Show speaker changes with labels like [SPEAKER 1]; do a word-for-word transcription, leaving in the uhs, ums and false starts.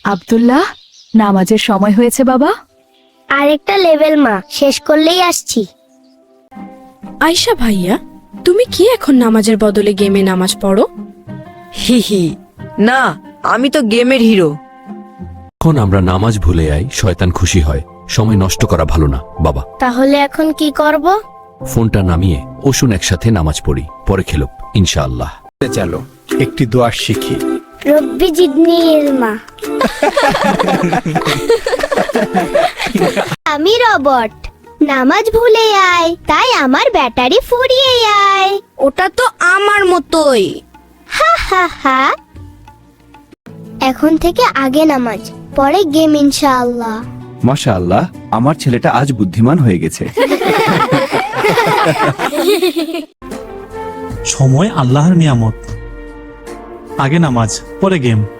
[SPEAKER 1] আব্দুল্লাহ, নামাজের সময় হয়েছে বাবা।
[SPEAKER 2] আরেকটা লেভেল মা, শেষ করলেই আসছি।
[SPEAKER 3] আয়শা ভাইয়া, তুমি কি এখন নামাজের বদলে গেমে নামাজ পড়ো?
[SPEAKER 4] হি হি, না, আমি তো গেমের হিরো।
[SPEAKER 5] এখন আমরা নামাজ ভুলে যাই, শয়তান খুশি হয়। সময় নষ্ট করা ভালো না বাবা।
[SPEAKER 2] তাহলে এখন কি করব?
[SPEAKER 5] ফোনটা নামিয়ে ওশুন একসাথে নামাজ পড়ি, পরে খেলুক ইনশাআল্লাহ।
[SPEAKER 6] চলো একটি দোয়া শিখি।
[SPEAKER 2] রব্বি জিদনি ইলমা। আমি রবট, নামাজ ভুলে আয়, তাই আমার ব্যাটারি ফুরিয়ে যায়।
[SPEAKER 3] ওটা তো আমার মতোই।
[SPEAKER 2] হা হা হা। এখন থেকে আগে নামাজ, পরে গেম ইনশাআল্লাহ।
[SPEAKER 6] মাশাআল্লাহ, আমার ছেলেটা আজ বুদ্ধিমান হয়ে গেছে।
[SPEAKER 7] সময় আল্লাহর নিয়ামত। আগে নামাজ, পরে গেম।